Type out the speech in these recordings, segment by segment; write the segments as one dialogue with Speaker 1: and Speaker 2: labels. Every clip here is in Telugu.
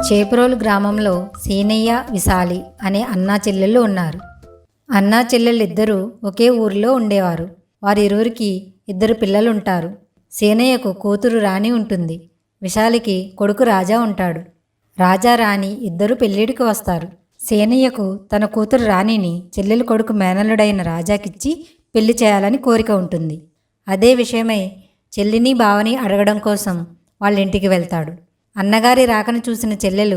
Speaker 1: చేపురోలు గ్రామంలో సీనయ్య, విశాలి అనే అన్నా చెల్లెళ్ళు ఉన్నారు. అన్నా చెల్లెళ్ళిద్దరూ ఒకే ఊరిలో ఉండేవారు. వారిరువురికి ఇద్దరు పిల్లలుంటారు. సీనయ్యకు కూతురు రాణి ఉంటుంది. విశాలికి కొడుకు రాజా ఉంటాడు. రాజా రాణి ఇద్దరూ పెళ్ళిడికి వస్తారు. సీనయ్యకు తన కూతురు రాణిని చెల్లెలు కొడుకు మేనల్లుడైన రాజాకిచ్చి పెళ్లి చేయాలని కోరిక ఉంటుంది. అదే విషయమై చెల్లిని బావని అడగడం కోసం వాళ్ళింటికి వెళ్తాడు. అన్నగారి రాకను చూసిన చెల్లెలు,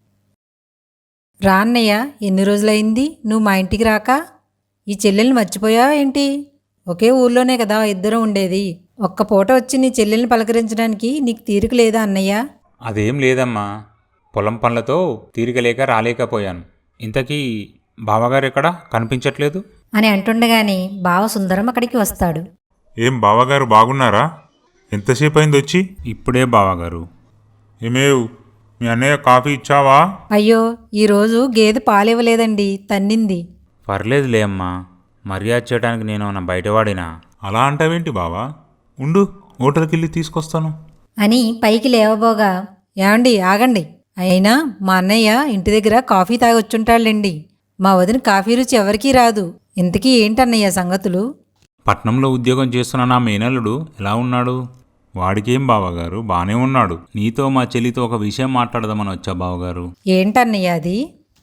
Speaker 1: రా అన్నయ్య, ఎన్ని రోజులైంది నువ్వు మా ఇంటికి రాక? ఈ చెల్లెల్ని మర్చిపోయావా ఏంటి? ఒకే ఊర్లోనే కదా ఇద్దరం ఉండేది. ఒక్క పూట వచ్చి నీ చెల్లెల్ని పలకరించడానికి నీకు తీరిక లేదా అన్నయ్య?
Speaker 2: అదేం లేదమ్మా, పొలం పనులతో తీరిక లేక రాలేకపోయాను. ఇంతకీ బావగారు ఎక్కడా కనిపించట్లేదు
Speaker 1: అని అంటుండగానే బావ సుందరం అక్కడికి వస్తాడు.
Speaker 3: ఏం బావగారు బాగున్నారా? ఎంతసేపు అయింది వచ్చి?
Speaker 2: ఇప్పుడే బావగారు.
Speaker 3: ఏమేవ్, మీ అన్నయ్య కాఫీ ఇచ్చావా?
Speaker 1: అయ్యో, ఈరోజు గేదె పాలివ్వలేదండి, తన్నింది.
Speaker 2: పర్లేదులే అమ్మా, మర్యాద చేయడానికి నేను నా బయటవాడినా.
Speaker 3: అలా అంటావేంటి బావా? ఉండు, హోటల్కి వెళ్ళి తీసుకొస్తాను
Speaker 1: అని పైకి లేవబోగా, ఏమండి ఆగండి, అయినా మా అన్నయ్య ఇంటి దగ్గర కాఫీ తాగొచ్చుంటాళ్ళండి. మా వదిన కాఫీ రుచి ఎవరికీ రాదు. ఇంతకీ ఏంటన్నయ్య సంగతులు?
Speaker 2: పట్నంలో ఉద్యోగం చేస్తున్న నా మేనల్లుడు ఎలా ఉన్నాడు? వాడికేం బావగారు, బానే ఉన్నాడు. నీతో మా చెల్లితో ఒక విషయం మాట్లాడదామని వచ్చా బావగారు.
Speaker 1: ఏంటన్నయ్య అది?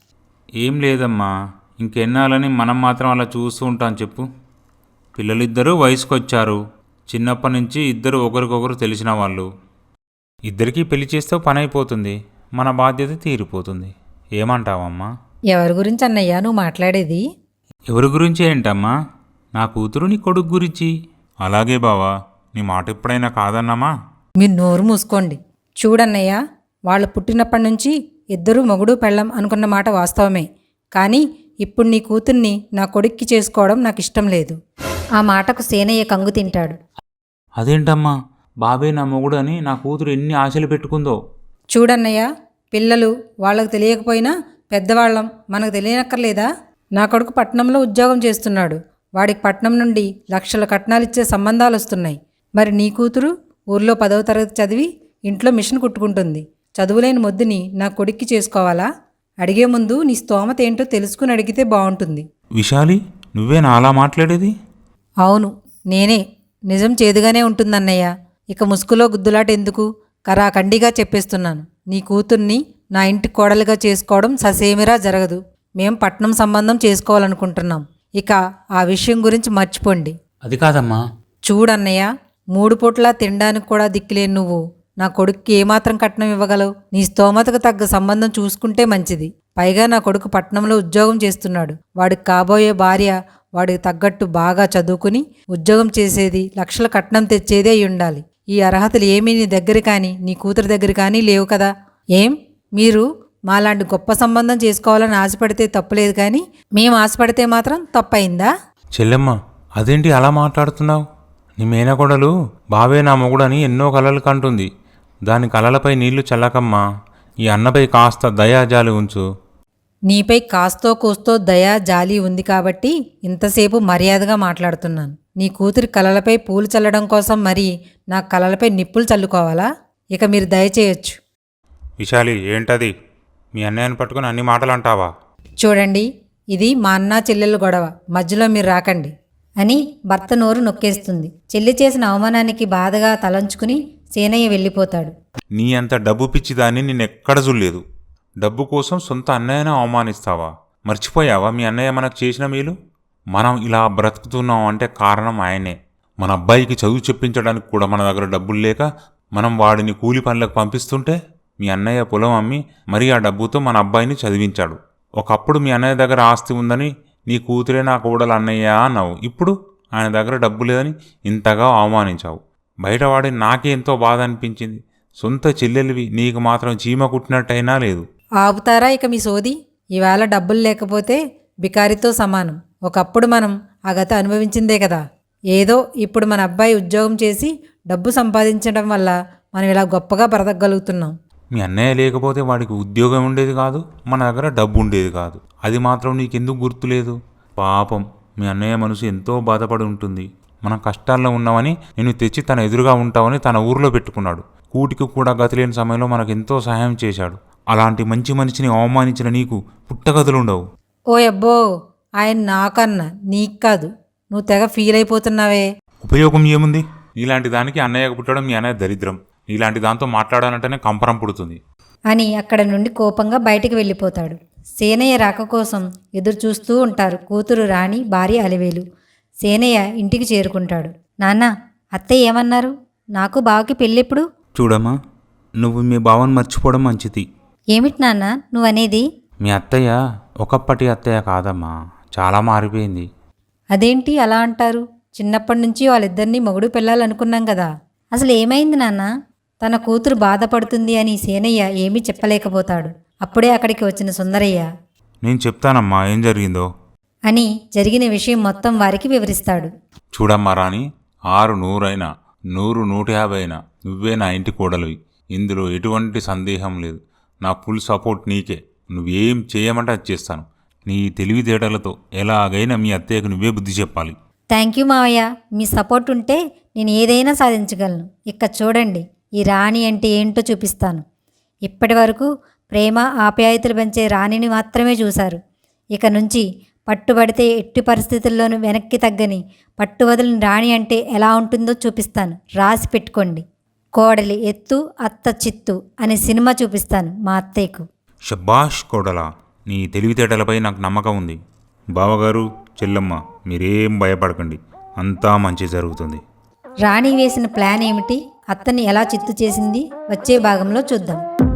Speaker 2: ఏం లేదమ్మా, ఇంకెన్నాళ్ళని మనం మాత్రం అలా చూస్తూ ఉంటాం చెప్పు. పిల్లలిద్దరూ వయసుకొచ్చారు. చిన్నప్పటి నుంచి ఇద్దరు ఒకరికొకరు తెలిసిన వాళ్ళు. ఇద్దరికీ పెళ్లి చేస్తే పని అయిపోతుంది, మన బాధ్యత తీరిపోతుంది. ఏమంటావమ్మా?
Speaker 1: ఎవరి గురించి అన్నయ్య నువ్వు మాట్లాడేది?
Speaker 2: ఎవరి గురించి ఏంటమ్మా? నా కూతురు నీ కొడుకు గురించి.
Speaker 3: అలాగే బావా, నీ మాట ఎప్పుడైనా కాదన్నామా?
Speaker 1: మీరు నోరు మూసుకోండి. చూడన్నయ్య, వాళ్ళు పుట్టినప్పటి నుంచి ఇద్దరూ మొగుడు పెళ్ళం అనుకున్న మాట వాస్తవమే. కానీ ఇప్పుడు నీ కూతుర్ని నా కొడుక్కి చేసుకోవడం నాకు ఇష్టం లేదు. ఆ మాటకు సేనయ్య కంగు తింటాడు.
Speaker 2: అదేంటమ్మా, బాబే నా మొగుడు అని నా కూతురు ఎన్ని ఆశలు పెట్టుకుందో.
Speaker 1: చూడన్నయ్య, పిల్లలు వాళ్ళకు తెలియకపోయినా పెద్దవాళ్ళం మనకు తెలియనక్కర్లేదా? నా కొడుకు పట్నంలో ఉద్యోగం చేస్తున్నాడు. వాడికి పట్నం నుండి లక్షల కట్నాలిచ్చే సంబంధాలు వస్తున్నాయి. మరి నీ కూతురు ఊర్లో 10వ తరగతి చదివి ఇంట్లో మిషన్ కుట్టుకుంటుంది. చదువులేని మొద్దుని నా కొడుక్కి చేసుకోవాలా? అడిగే ముందు నీ స్తోమత ఏంటో తెలుసుకుని అడిగితే బాగుంటుంది.
Speaker 3: విశాలి, నువ్వేనా అలా మాట్లాడేది?
Speaker 1: అవును, నేనే. నిజం చేదుగానే ఉంటుందన్నయ్య. ఇక ముసుగులో గుద్దులాట ఎందుకు? కరాఖండిగా చెప్పేస్తున్నాను. నీ కూతుర్ని నా ఇంటి కోడలుగా చేసుకోవడం ససేమిరా జరగదు. మేం పట్నం సంబంధం చేసుకోవాలనుకుంటున్నాం. ఇక ఆ విషయం గురించి మర్చిపోండి.
Speaker 2: అది కాదమ్మా.
Speaker 1: చూడన్నయ్య, 3 పూట్లా తినడానికి కూడా దిక్కులేని నువ్వు నా కొడుక్కి ఏమాత్రం కట్నం ఇవ్వగలవు? నీ స్తోమతకు తగ్గ సంబంధం చూసుకుంటే మంచిది. పైగా నా కొడుకు పట్నంలో ఉద్యోగం చేస్తున్నాడు. వాడికి కాబోయే భార్య వాడికి తగ్గట్టు బాగా చదువుకుని ఉద్యోగం చేసేది, లక్షల కట్నం తెచ్చేదే అయి ఉండాలి. ఈ అర్హతలు ఏమీ నీ దగ్గర కానీ నీ కూతురు దగ్గర కానీ లేవు కదా? ఏం, మీరు మాలాంటి గొప్ప సంబంధం చేసుకోవాలని ఆశపడితే తప్పులేదు, కానీ మేము ఆశపడితే మాత్రం తప్పయిందా?
Speaker 3: చెల్లెమ్మ, అదేంటి అలా మాట్లాడుతున్నావు? నీ మేనకోడలు బావే నా మొగుడని ఎన్నో కలలు కంటుంది. దాని కలలపై నీళ్లు చల్లకమ్మా. ఈ అన్నపై కాస్త దయాజాలి ఉంచు.
Speaker 1: నీపై కాస్తో కూస్తో దయా జాలి ఉంది కాబట్టి ఇంతసేపు మర్యాదగా మాట్లాడుతున్నాను. నీ కూతురి కలలపై పూలు చల్లడం కోసం మరి నా కలలపై నిప్పులు చల్లుకోవాలా? ఇక మీరు దయచేయొచ్చు.
Speaker 3: విశాలి, ఏంటది? మీ అన్నయ్యని పట్టుకుని అన్ని మాటలు అంటావా?
Speaker 1: చూడండి, ఇది మా అన్నా చెల్లెలు గొడవ, మధ్యలో మీరు రాకండి అని భర్త నోరు నొక్కేస్తుంది. చెల్లి చేసిన అవమానానికి బాధగా తలంచుకుని సేనయ్య వెళ్ళిపోతాడు.
Speaker 3: నీ అంత డబ్బు పిచ్చిదాన్ని నిన్నెక్కడ చూడలేదు. డబ్బు కోసం సొంత అన్నయ్యను అవమానిస్తావా? మర్చిపోయావా మీ అన్నయ్య మనకు చేసిన మేలు? మనం ఇలా బ్రతుకుతున్నాం అంటే కారణం ఆయనే. మన అబ్బాయికి చదువు చెప్పించడానికి కూడా మన దగ్గర డబ్బులు లేక మనం వాడిని కూలి పనులకు పంపిస్తుంటే మీ అన్నయ్య పొలం అమ్మి మరీ ఆ డబ్బుతో మన అబ్బాయిని చదివించాడు. ఒకప్పుడు మీ అన్నయ్య దగ్గర ఆస్తి ఉందని నీ కూతురే నా కోడలు అన్నయ్య అన్నావు. ఇప్పుడు ఆయన దగ్గర డబ్బు లేదని ఇంతగా అవమానించావు. బయటవాడి నాకే ఎంతో బాధ అనిపించింది. సొంత చెల్లెలివి నీకు మాత్రం చీమ కుట్టినట్టయినా లేదు.
Speaker 1: ఆపుతారా ఇక మీ సోది? ఈవేళ డబ్బులు లేకపోతే బికారితో సమానం. ఒకప్పుడు మనం ఆ గత అనుభవించిందే కదా. ఏదో ఇప్పుడు మన అబ్బాయి ఉద్యోగం చేసి డబ్బు సంపాదించడం వల్ల మనం ఇలా గొప్పగా బ్రతకగలుగుతున్నాం.
Speaker 3: మీ అన్నయ్య లేకపోతే వాడికి ఉద్యోగం ఉండేది కాదు, మన దగ్గర డబ్బు ఉండేది కాదు. అది మాత్రం నీకెందుకు గుర్తులేదు? పాపం, మీ అన్నయ్య మనసు ఎంతో బాధపడి ఉంటుంది. మనం కష్టాల్లో ఉన్నామని నేను తెచ్చి తన ఎదురుగా ఉంటామని తన ఊరిలో పెట్టుకున్నాడు. కూటికి కూడా గతిలేని సమయంలో మనకెంతో సహాయం చేశాడు.
Speaker 2: అలాంటి మంచి మనిషిని అవమానించిన నీకు పుట్టగదులుండవు.
Speaker 1: ఓ అబ్బో, ఆయన నాకన్నా నీకు కాదు, నువ్వు తెగ ఫీల్ అయిపోతున్నావే.
Speaker 2: ఉపయోగం ఏముంది?
Speaker 3: నీలాంటి దానికి అన్నయ్యకు పుట్టడం మీ అన్నయ్య దరిద్రం. నీలాంటి దాంతో మాట్లాడాలంటేనే కంపరం పుడుతుంది.
Speaker 1: అని అక్కడ నుండి కోపంగా బయటికి వెళ్ళిపోతాడు. సేనయ్య రాక కోసం ఎదురు చూస్తూ ఉంటారు కూతురు రాణి, భార్య అలివేలు. సేనయ్య ఇంటికి చేరుకుంటాడు. నాన్న, అత్తయ్య ఏమన్నారు? నాకు బావకి పెళ్ళెప్పుడు?
Speaker 2: చూడమ్మా, నువ్వు మీ బావని మర్చిపోవడం మంచిది.
Speaker 1: ఏమిటి నాన్న నువ్వనేది?
Speaker 2: మీ అత్తయ్య ఒకప్పటి అత్తయ్య కాదమ్మా, చాలా మారిపోయింది.
Speaker 1: అదేంటి అలా అంటారు? చిన్నప్పటి నుంచి వాళ్ళిద్దరినీ మొగుడు పిల్లాలనుకున్నాం కదా. అసలు ఏమైంది నాన్న? తన కూతురు బాధపడుతుంది అని సేనయ్య ఏమీ చెప్పలేకపోతాడు. అప్పుడే అక్కడికి వచ్చిన సుందరయ్య
Speaker 2: నేను చెప్తానమ్మా ఏం జరిగిందో
Speaker 1: అని జరిగిన విషయం మొత్తం వారికి వివరిస్తాడు.
Speaker 3: చూడమ్మా రాణి, 6 100 అయినా 100 150 అయినా నువ్వే నా ఇంటి కోడలివి. ఇందులో ఎటువంటి సందేహం లేదు. నా ఫుల్ సపోర్ట్ నీకే. నువ్వేం చేయమంటే అది చేస్తాను. నీ తెలివితేటలతో ఎలాగైనా మీ అత్తయ్యకు నువ్వే బుద్ధి చెప్పాలి.
Speaker 1: థ్యాంక్ యూ మావయ్య, మీ సపోర్ట్ ఉంటే నేను ఏదైనా సాధించగలను. ఇక చూడండి, ఈ రాణి అంటే ఏంటో చూపిస్తాను. ఇప్పటి వరకు ప్రేమ ఆప్యాయతలు పెంచే రాణిని మాత్రమే చూశారు. ఇక నుంచి పట్టుబడితే ఎట్టి పరిస్థితుల్లోనూ వెనక్కి తగ్గని పట్టువదలని రాణి అంటే ఎలా ఉంటుందో చూపిస్తాను. రాసి పెట్టుకోండి. కోడలి ఎత్తు అత్త చిత్తు అనే సినిమా చూపిస్తాను మా అత్తయ్యకు.
Speaker 2: షబాష్ కోడలా, నీ తెలివితేటలపై నాకు నమ్మకం ఉంది. బావగారు, చెల్లమ్మ, మీరేం భయపడకండి, అంతా మంచి జరుగుతుంది.
Speaker 1: రాణి వేసిన ప్లాన్ ఏమిటి, అత్తని ఎలా చిత్తు చేసింది వచ్చే భాగంలో చూద్దాం.